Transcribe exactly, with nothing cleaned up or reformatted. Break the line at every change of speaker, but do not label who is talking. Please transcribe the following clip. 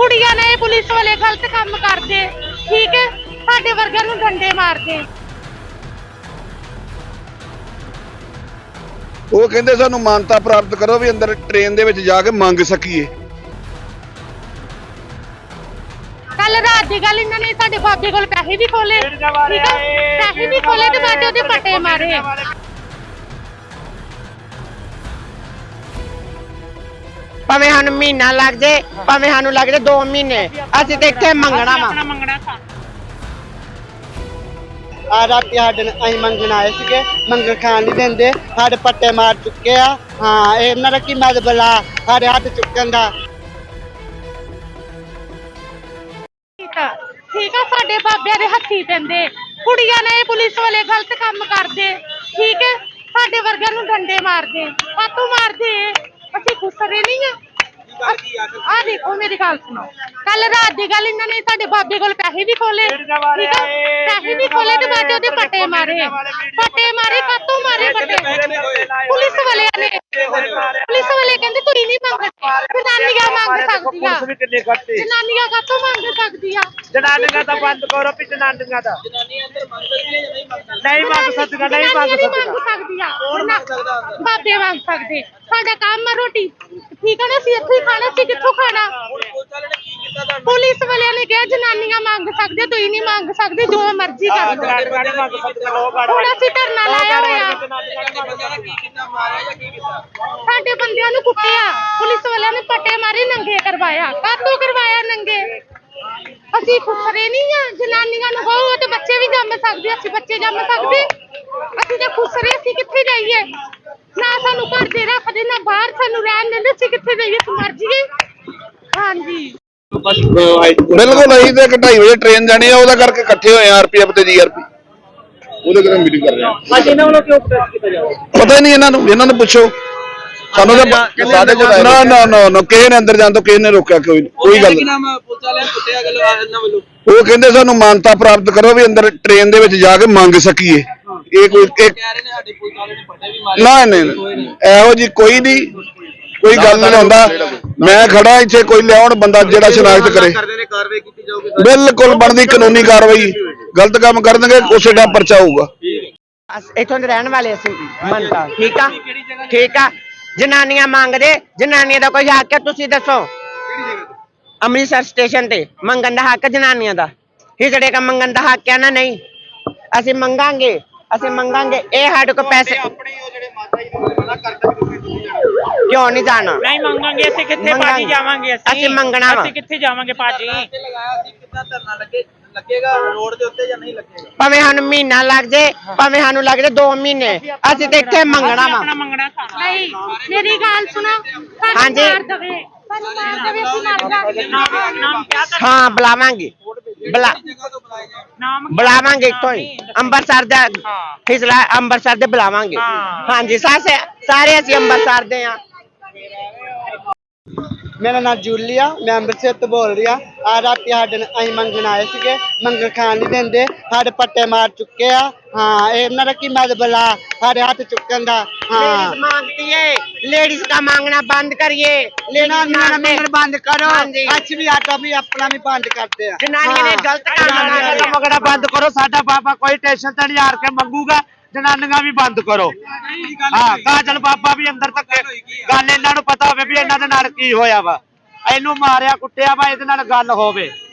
ਕੁੜੀਆਂ ਨੇ ਪੁਲਿਸ ਵਾਲੇ ਗਲਤ ਕੰਮ ਕਰਦੇ, ਠੀਕ ਹੈ, ਸਾਡੇ ਵਰਗਿਆਂ ਨੂੰ ਡੰਡੇ ਮਾਰਦੇ।
ਉਹ ਕਹਿੰਦੇ ਸਾਨੂੰ ਮਾਨਤਾ ਪ੍ਰਾਪਤ ਕਰੋ ਵੀ ਅੰਦਰ ਟ੍ਰੇਨ ਦੇ ਵਿੱਚ ਜਾ ਕੇ ਮੰਗ ਸਕੀਏ।
ਕੱਲ ਰਾਤ ਦੀ ਗੱਲ ਇਹਨਾਂ ਨੇ ਸਾਡੇ ਬਾਬੇ ਕੋਲ ਪੈਸੇ ਵੀ ਖੋਲੇ, ਠੀਕ ਹੈ, ਪੈਸੇ ਵੀ ਖੋਲੇ ਤੇ ਬਾਅਦ ਉਹਦੇ ਪੱਟੇ ਮਾਰੇ।
ਭਾਵੇਂ ਸਾਨੂੰ ਮਹੀਨਾ ਲੱਗ ਜੇ, ਭਾਵੇਂ ਸਾਨੂੰ ਲੱਗ ਜੇ ਦੋ ਮਹੀਨੇ, ਅਸੀਂ ਤੇ ਇੱਥੇ ਮੰਗਣਾ ਵਾ।
ਆ ਰਾਤੀ ਸਾਡੇ ਅਸੀਂ ਮੰਗਣ ਆਏ ਸੀਗੇ, ਮੰਗਣ ਖਾਣ ਨਹੀਂ ਦਿੰਦੇ, ਸਾਡੇ ਪੱਟੇ ਮਾਰ ਚੁੱਕੇ ਆ। ਹਾਂ, ਇਹਨਾਂ ਦਾ ਕੀ ਮਤਲਬ ਆ ਸਾਡੇ ਹੱਥ ਚੁੱਕਣ ਦਾ।
ਠੀਕ ਆ, ਸਾਡੇ ਬਾਬਿਆਂ ਦੇ ਹੱਥੀ ਪੈਂਦੇ, ਕੁੜੀਆਂ ਨੇ ਪੁਲਿਸ ਵਾਲੇ ਗਲਤ ਕੰਮ ਕਰਦੇ, ਠੀਕ ਹੈ, ਸਾਡੇ ਵਰਗਿਆਂ ਨੂੰ ਡੰਡੇ ਮਾਰਦੇ। ਕਾਤੋਂ ਮਾਰਦੇ? ਅਸੀਂ ਖੁਸਰੇ ਨਹੀਂ ਆ। ਆ ਦੇਖੋ ਮੇਰੀ ਗੱਲ ਸੁਣੋ, ਕੱਲ ਰਾਤ ਦੀ ਗੱਲ ਇਹਨਾਂ ਨੇ ਸਾਡੇ ਬਾਬੇ ਕੋਲ ਪੈਸੇ ਵੀ ਖੋਲੇ, ਠੀਕ ਹੈ, ਪੈਸੇ ਵੀ ਖੋਲੇ ਤੇ ਬਾਅਦ ਉਹਦੇ ਪੱਟੇ ਮਾਰੇ। ਪੱਟੇ ਮਾਰੇ ਕਾਤੋਂ ਮਾਰੇ? ਪੱਟੇ ਪੁਲਿਸ ਵਾਲਿਆਂ ਨੇ। ਪੁਲਿਸ ਵਾਲੇ ਕਹਿੰਦੇ ਤੁਸੀਂ ਨਹੀਂ ਮੰਗਦੇ, ਜਨਾਨੀਆਂ ਮੰਗ ਸਕਦੀਆਂ। ਜਨਾਨੀਆਂ ਕਾਤੋਂ ਮੰਗ ਸਕਦੀਆਂ?
ਜਨਾਨੀਆਂ ਦਾ ਬੰਦ ਕਰੋ ਵੀ ਜਨਾਨੀਆਂ ਦਾ ਨਹੀਂ ਮੰਗ ਸਕਦੀਆਂ, ਨਹੀਂ ਮੰਗ
ਸਕਦੀਆਂ। ਬਾਬੇ ਮੰਗ ਸਕਦੇ, ਸਾਡਾ ਕੰਮ ਆ ਰੋਟੀ, ਠੀਕ ਹੈ ਨਾ, ਅਸੀਂ ਇੱਥੇ ਹੀ ਖਾਣਾ, ਅਸੀਂ ਕਿੱਥੋਂ ਖਾਣਾ? ਪੁਲਿਸ ਵਾਲਿਆਂ ਨੇ ਕਿਹਾ ਜਨਾਨੀਆਂ ਮੰਗ ਸਕਦੇ, ਤੁਸੀਂ ਨਹੀਂ ਮੰਗ ਸਕਦੇ, ਜੋ ਮਰਜ਼ੀ ਕਰ ਲਓ। ਹੁਣ ਅਸੀਂ ਧਰਨਾ ਲਾਇਆ ਹੋਇਆ, ਸਾਡੇ ਬੰਦਿਆਂ ਨੂੰ ਕੁੱਟਿਆ, ਪੁਲਿਸ ਵਾਲਿਆਂ ਨੇ ਪੱਟੇ ਮਾਰੇ, ਨੰਗੇ ਕਰਵਾਇਆ। ਕਾਹਤੋਂ ਕਰਵਾਇਆ ਨੰਗੇ? ਅਸੀਂ ਖੁਸਰੇ ਨਹੀਂ ਆ। ਜਨਾਨੀਆਂ ਨੂੰ ਕਹੋ ਤੇ ਬੱਚੇ ਵੀ ਜੰਮ ਸਕਦੇ, ਅਸੀਂ ਬੱਚੇ ਜੰਮ ਸਕਦੇ? ਅਸੀਂ ਤਾਂ ਖੁਸਰੇ, ਅਸੀਂ ਕਿੱਥੇ ਜਾਈਏ? ਨਾ ਸਾਨੂੰ ਘਰ ਦੇ ਰੱਖਦੇ, ਨਾ ਬਾਹਰ ਸਾਨੂੰ ਰਹਿਣ ਦਿੰਦੇ, ਅਸੀਂ ਕਿੱਥੇ ਜਾਈਏ? ਅਸੀਂ ਮਰ ਜਾਈਏ। ਹਾਂਜੀ
ਬਿਲਕੁਲ, ਅਸੀਂ ਤੇ ਢਾਈ ਵਜੇ ਟ੍ਰੇਨ ਜਾਣੀ ਆ, ਉਹਦਾ ਕਰਕੇ ਇਕੱਠੇ ਹੋਏ ਆ ਆਰਪੀਐਫ ਤੇ ਜੀਆਰਪੀ, ਉਹਦੇ ਕਰਕੇ ਮੀਟਿੰਗ ਕਰ ਰਹੇ ਆ। ਪਤਾ ਹੀ ਨਹੀਂ ਇਹਨਾਂ ਨੂੰ, ਇਹਨਾਂ ਨੂੰ ਪੁੱਛੋ। ਸਾਨੂੰ ਤਾਂ ਨਾ ਨਾ ਨਾ ਨਾ ਕਿਸੇ ਨੇ ਅੰਦਰ ਜਾਣ ਤੋਂ ਕਿਸੇ ਨੇ ਰੋਕਿਆ, ਕੋਈ ਕੋਈ ਗੱਲ ਨਹੀਂ। ਉਹ ਕਹਿੰਦੇ ਸਾਨੂੰ ਮਾਨਤਾ ਪ੍ਰਾਪਤ ਕਰੋ ਵੀ ਅੰਦਰ ਟ੍ਰੇਨ ਦੇ ਵਿੱਚ ਜਾ ਕੇ ਮੰਗ ਸਕੀਏ। ਇਹ ਕੋਈ ਨਾ ਨਹੀਂ, ਇਹੋ ਜੀ ਕੋਈ ਨਹੀਂ, ਕੋਈ ਗੱਲ ਨਹੀਂ ਹੁੰਦਾ। ਮੈਂ ਖੜਾ ਇੱਥੇ, ਕੋਈ ਲਿਆਉਣ ਬੰਦਾ ਜਿਹੜਾ ਸ਼ਨਾਖਤ ਕਰੇ, ਬਿਲਕੁਲ ਬਣਦੀ ਕਾਨੂੰਨੀ ਕਾਰਵਾਈ। ਗਲਤ ਕੰਮ ਕਰਨਗੇ ਉਸੇ ਦਾ ਪਰਚਾ ਹੋਊਗਾ।
ਇੱਥੋਂ ਦੇ ਰਹਿਣ ਵਾਲੇ ਅਸੀਂ ਮੰਨਦਾ, ਠੀਕ ਆ, ਠੀਕ ਆ। ਜਨਾਨੀਆਂ ਮੰਗਦੇ, ਜਨਾਨੀਆਂ ਦਾ ਕੋਈ ਹੱਕ ਹੈ? ਤੁਸੀਂ ਦੱਸੋ। ਅੰਮ੍ਰਿਤਸਰ ਸਟੇਸ਼ਨ ਤੇ ਮੰਗਣ ਦਾ ਹੱਕ ਜਨਾਨੀਆਂ ਦਾ, ਹਿਜੜੇ ਕਾ ਮੰਗਣ ਦਾ ਹੱਕ ਹੈ ਨਾ? ਨਹੀਂ, ਅਸੀਂ ਮੰਗਾਂਗੇ, ਅਸੀਂ ਮੰਗਾਂਗੇ। ਇਹ ਸਾਡੇ ਕੋਲ ਪੈਸੇ ਕਿਉਂ ਨਹੀਂ ਜਾਣਾ?
ਨਹੀਂ ਮੰਗਾਂਗੇ, ਅਸੀਂ ਕਿੱਥੇ ਭਾਜੀ ਜਾਵਾਂਗੇ?
ਅਸੀਂ ਮੰਗਣਾ ਵਾ।
ਅਸੀਂ ਕਿੱਥੇ ਜਾਵਾਂਗੇ ਭਾਜੀ? ਲੱਗੇਗਾ ਰੋਡ ਦੇ ਉੱਤੇ ਜਾਂ ਨਹੀਂ ਲੱਗੇਗਾ? ਭਾਵੇਂ
ਸਾਨੂੰ ਮਹੀਨਾ ਲੱਗ ਜੇ, ਭਾਵੇਂ ਸਾਨੂੰ ਲੱਗ ਜੇ ਦੋ ਮਹੀਨੇ, ਅਸੀਂ ਤੇ ਇੱਥੇ ਮੰਗਣਾ ਵਾ।
ਨਹੀਂ, ਮੇਰੀ ਗੱਲ ਸੁਣੋ।
ਹਾਂਜੀ, ਹਾਂ ਬੁਲਾਵਾਂਗੇ, ਬੁਲਾ ਬੁਲਾਵਾਂਗੇ ਇੱਥੋਂ ਹੀ, ਅੰਮ੍ਰਿਤਸਰ ਦਾ ਫਿਸਲਾ, ਅੰਮ੍ਰਿਤਸਰ ਦੇ ਬੁਲਾਵਾਂਗੇ। ਹਾਂਜੀ, ਸਾਰੇ ਸਾਰੇ ਅਸੀਂ ਅੰਮ੍ਰਿਤਸਰ ਦੇ ਆ।
ਮੇਰਾ ਨਾਮ ਜੂਲੀਆ, ਮੈਂ ਅੰਮ੍ਰਿਤਸਰ ਤੋਂ ਬੋਲ ਰਹੀ ਆ। ਆ ਰਾਤੀ ਸਾਡੇ ਅਸੀਂ ਮੰਗਣ ਆਏ ਸੀਗੇ, ਮੰਗਣ ਖਾਣ ਨਹੀਂ ਦਿੰਦੇ, ਸਾਡੇ ਪੱਟੇ ਮਾਰ ਚੁੱਕੇ ਆ। ਹਾਂ, ਇਹਨਾਂ ਦਾ ਕੀ ਮਤਲਬ ਆ ਸਾਡੇ ਹੱਥ ਚੁੱਕਣ ਦਾ? ਹਾਂ,
मांगती है लेडीज का मांगना बंद करिए,
लेडीज बंद करो। अच्छी भी आटा भी अपना भी बंद करते हैं।
जनानियां ने गलत काम
मंगना बंद करो, साडा बाबा कोई टेंशन ते नहीं हार के मंगूगा। जनानियां भी बंद करो। हाँ, काजल बाबा भी अंदर तक गल इन्हां नूं पता होवे भी इन्हां दे नाल की होया वा, इहनूं मारिया कुੱਟਿਆ वा, इहदे नाल गल होवे।